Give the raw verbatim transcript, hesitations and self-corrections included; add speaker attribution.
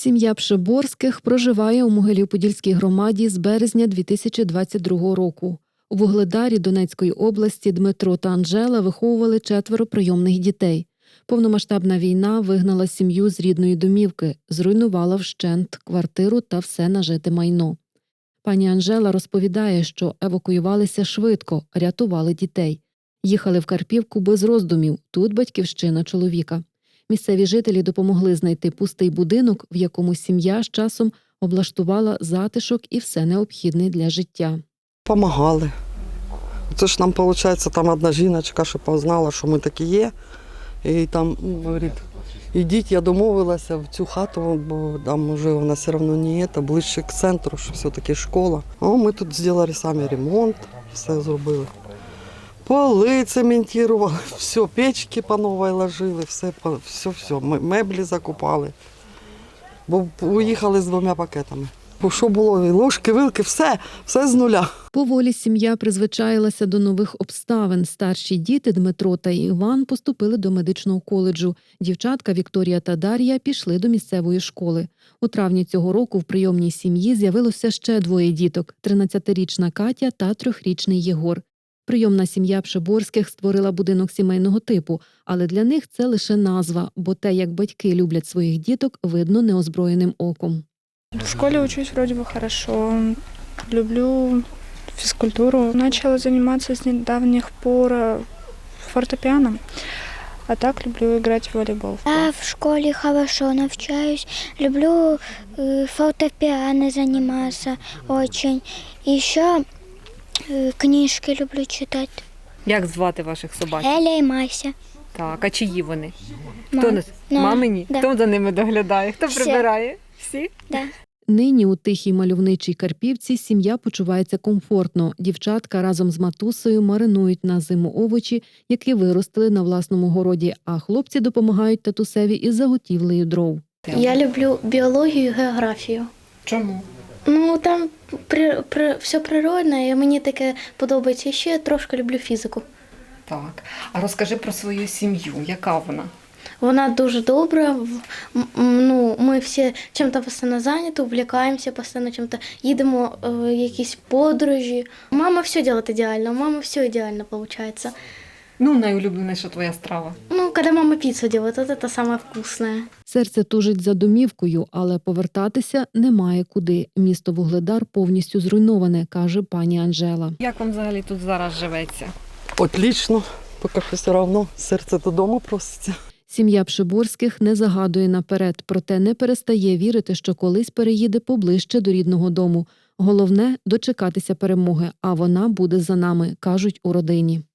Speaker 1: Сім'я Пшиборських проживає у Могилів-Подільській громаді з березня дві тисячі двадцять другого року. У Вугледарі Донецької області Дмитро та Анжела виховували четверо прийомних дітей. Повномасштабна війна вигнала сім'ю з рідної домівки, зруйнувала вщент квартиру та все нажите майно. Пані Анжела розповідає, що евакуювалися швидко, рятували дітей. Їхали в Карпівку без роздумів, тут батьківщина чоловіка. Місцеві жителі допомогли знайти пустий будинок, в якому сім'я з часом облаштувала затишок і все необхідне для життя.
Speaker 2: Помагали. Це ж нам, виходить, там одна жіночка, що познала, що ми такі є. І там говорить, ідіть, я домовилася в цю хату, бо там вже вона все одно не є, ближче к центру, що все-таки школа. О, ми тут зробили самі ремонт, все зробили. Поли цементували, все, печки по новій ложили, все, все, все, меблі закупали. Бо уїхали з двома пакетами. Що було, ложки, вилки, все, все з нуля.
Speaker 1: Поволі сім'я призвичаїлася до нових обставин. Старші діти Дмитро та Іван поступили до медичного коледжу. Дівчатка Вікторія та Дар'я пішли до місцевої школи. У травні цього року в прийомній сім'ї з'явилося ще двоє діток – тринадцятирічна Катя та трьохрічний Єгор. Прийомна сім'я Пшиборських створила будинок сімейного типу, але для них це лише назва, бо те, як батьки люблять своїх діток, видно неозброєним оком.
Speaker 3: В школе учусь вроде бы хорошо, люблю физкультуру. Начала заниматься с недавних пор фортепиано, а так люблю играть в волейбол.
Speaker 4: Я в школе хорошо навчаюсь, люблю э, фортепиано заниматься очень. Еще э, книжки люблю читать.
Speaker 5: Як звати ваших собак?
Speaker 4: Еля і Мася.
Speaker 5: Так, а чиї вони?
Speaker 4: Мам.
Speaker 5: Хто нас?
Speaker 4: Да.
Speaker 5: Мамині?
Speaker 4: Да.
Speaker 5: Хто за ними доглядає? Хто
Speaker 4: Всі.
Speaker 5: прибирає? Всі?
Speaker 4: Да.
Speaker 1: Нині у тихій мальовничій Карпівці сім'я почувається комфортно. Дівчатка разом з матусею маринують на зиму овочі, які виростили на власному городі, а хлопці допомагають татусеві із заготівлею дров.
Speaker 6: Я люблю біологію і географію.
Speaker 5: Чому?
Speaker 6: Ну, там при, при, все природне, і мені таке подобається. І ще трошки люблю фізику.
Speaker 5: Так. А розкажи про свою сім'ю. Яка вона?
Speaker 6: Вона дуже добра. В- м- Ну, ми всі чим-то постійно зайняті, увлікаємося, постійно чим-то їдемо е, в якісь подорожі. Мама все робить ідеально, у мами все ідеально виходить.
Speaker 5: Ну, найулюбленіша твоя страва.
Speaker 6: Ну, коли мама піцу робить, от це саме вкусне.
Speaker 1: Серце тужить за домівкою, але повертатися немає куди. Місто Вугледар повністю зруйноване, каже пані Анжела.
Speaker 5: Як вам взагалі тут зараз живеться?
Speaker 2: Отлично, поки що все одно серце додому проситься.
Speaker 1: Сім'я Пшиборських не загадує наперед, проте не перестає вірити, що колись переїде поближче до рідного дому. Головне – дочекатися перемоги, а вона буде за нами, кажуть у родині.